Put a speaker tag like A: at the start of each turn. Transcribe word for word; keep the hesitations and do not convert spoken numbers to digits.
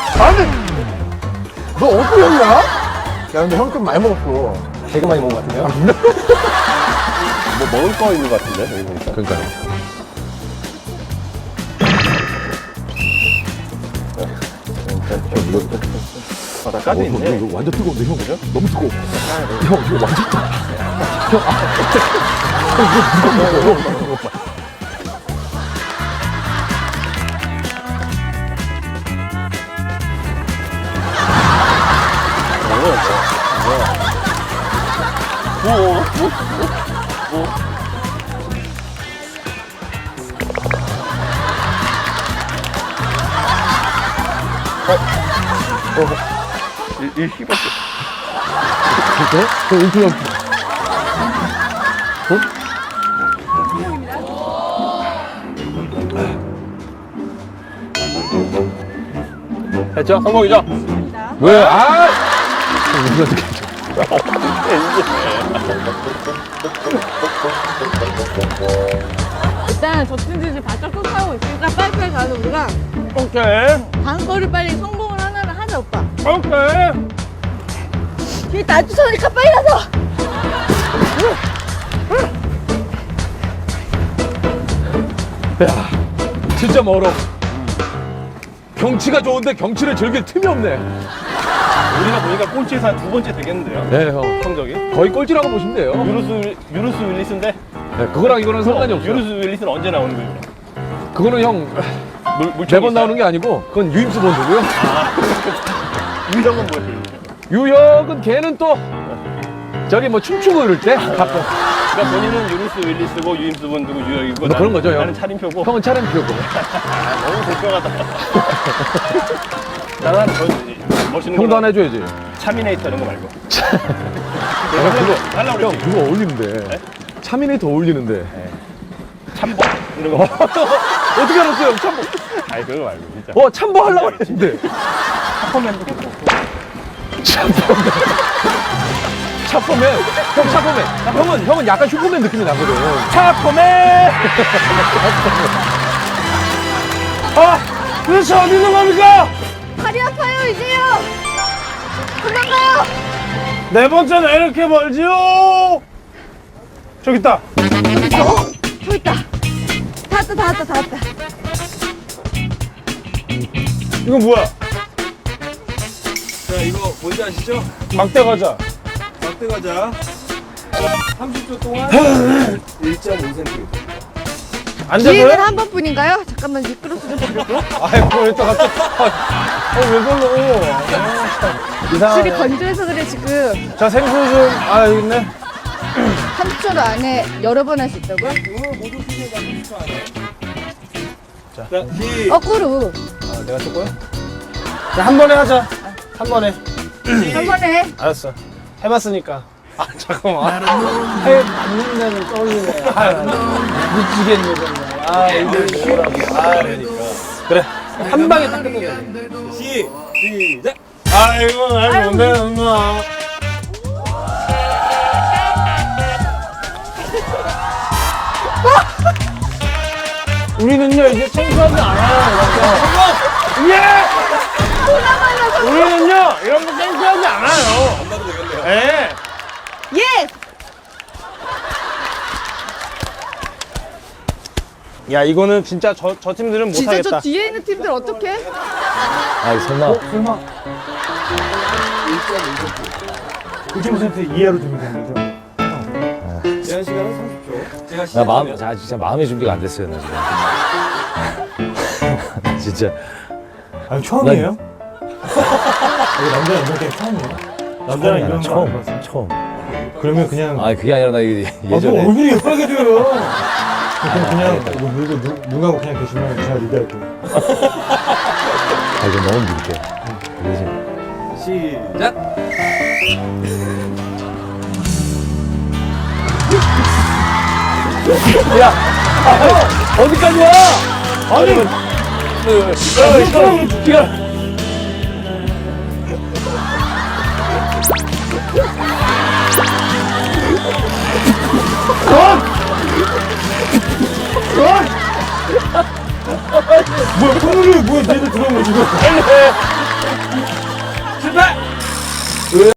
A: 아니, 너 어떻게 했냐? 야, 근데 형 좀 많이 먹었어. 되게 많이 먹은 것 같은데요?
B: 뭐 먹을 거 있는 것 같은데, 여기 보니까.
A: 그러니까요.
B: 바닥까지
A: 어,
B: 있네.
A: 이거 완전 뜨거운데, 형. 그죠? 너무 뜨거워. 형, 이거 완전 뜨거워. 형, 아. 형, 이거 무거워, 무거워, 무거워.
B: 이, 이 씹었어.
A: 진짜? 저 인기 형.
B: 했죠? 성공이죠?
A: 왜? 아! 이거 어떻게
C: 일단 저친들이 바짝 쫓아오고 있으니까 빨리빨리 가서 우리가
B: 오케이.
C: 다음 거를 빨리 성공을 하나를 하자 오빠.
B: 오케이.
C: 뒤에 나 쫓아오니까 빨리 가서.
A: 야, 진짜 멀어. 경치가 좋은데 경치를 즐길 틈이 없네.
B: 우리가 보니까 꼴찌에서 한 두 번째 되겠는데요?
A: 네, 형.
B: 성적이?
A: 거의 꼴찌라고 보시면 돼요.
B: 유루스, 유루스 윌리스인데?
A: 네, 그거랑 이거는 상관이 없어요.
B: 유루스 윌리스는 언제 나오는 거예요?
A: 그거는 형
B: 물, 물총이
A: 매번
B: 있어요?
A: 나오는 게 아니고 그건 유임수 본드고요.
B: 유형은 뭐예요?
A: 유혁은 걔는 또 저기 뭐 춤추고 이럴 때 가끔.
B: 그러니까 본인은 유루스 윌리스고 유임스 본드고 유형이고
A: 뭐 그런 거죠, 형.
B: 나는 차림표고
A: 형은 차림표고.
B: 아, 너무 불평하다. 나는 저 멋있는
A: 형도
B: 거
A: 하나 해줘야지.
B: 차미네이터 이런 거 말고.
A: 아, 그거,
B: 하려고
A: 형
B: 그랬지.
A: 그거 어울리는데.
B: 네?
A: 차민이 더 어울리는데.
B: 참보 이런 거.
A: 어떻게 알았어요, 형? 참보.
B: 아니 그거 말고 진짜.
A: 어, 참보 하려고 했는데.
B: 슈퍼맨도 괜찮고.
A: 차포맨. 차포맨. 형 차포맨. 형은, 형은 약간 슈퍼맨 느낌이 나거든.
B: 차포맨. 아, 도대체 어디 있는 겁니까?
C: 다리 아파요 이제요. 금방 가요.
B: 네 번째는 이렇게 멀지요. 저기 있다.
C: 어? 저 있다. 다 왔다 다 왔다 다 왔다.
B: 이건 뭐야?
D: 자, 이거 뭔지 아시죠?
B: 막대 과자.
D: 막대 과자. 삼십 초 동안 일 점 오 센티미터.
C: 기회는
B: 앉아서요?
C: 한 번뿐인가요? 잠깐만 미끄러서 좀 볼게요.
B: 아이고, 왜 또 갑자기. 아, 왜 그러노? 아,
C: 줄이
B: 이상하네.
C: 건조해서 그래 지금.
B: 자, 생수 좀. 아, 여기 있네.
C: 삼십 초 안에 여러 번 할 수 있다고요?
D: 오늘 모두 팀에 다 삼십 초 안에. 자, 시.
C: 거꾸로.
B: 아, 내가 쳤고요? 자, 한 번에 하자. 한 번에.
C: 한 번에.
B: 알았어. 해봤으니까. 아, 잠깐만. 해 받는 데는 떨리네. 아, 미치겠네, 정말. 아, 이제 뭐라고. 아, 그러니까. 그래. 한 방에 딱 끝내자.
D: 시. 시작.
B: 아이고, 날 뭔데, 엄마. 우리는요, 이제 청소하지 않아요. 성공! 예! 우리는요, 이런 거 청소하지 않아요.
D: 안 봐도 되겠네요.
B: 예.
C: 예.
B: 야, 이거는 진짜 저, 저 팀들은
C: 진짜
B: 못하겠다.
C: 저 뒤에 있는 팀들 어떡해?
A: 아, 설마.
B: 설마. 일 점 오 센티미터 이하로 주면 되는 거죠?
D: 제한 시간은 삼십 초. 제가
A: 나
D: 시작.
A: 마음, 자, 진짜 마음의 준비가 안 됐어요, 나 지금. 진짜.
B: 아니, 처음이에요?
D: 이거 남자 이런 게 처음이에요?
B: 남자랑 이런 거
A: 처음,
B: 안 해봤어.
A: 처음.
B: 그러면 그냥.
A: 아, 그게 아니라 나 이게
B: 아, 뭐
A: 예전에.
B: 얼굴이 빨개져요. 그럼 그냥 이거 물고 눈, 눈 감고 그냥 계시면 제가 리드할게요.
A: 아, 이거 너무 밀게. 이게 지금.
D: 시작.
A: 야! 아, 어디까지 와? 아니! 야, 기가.
B: 뭐야, 콧물이 뭐야, 얘들 들어온 거 지금.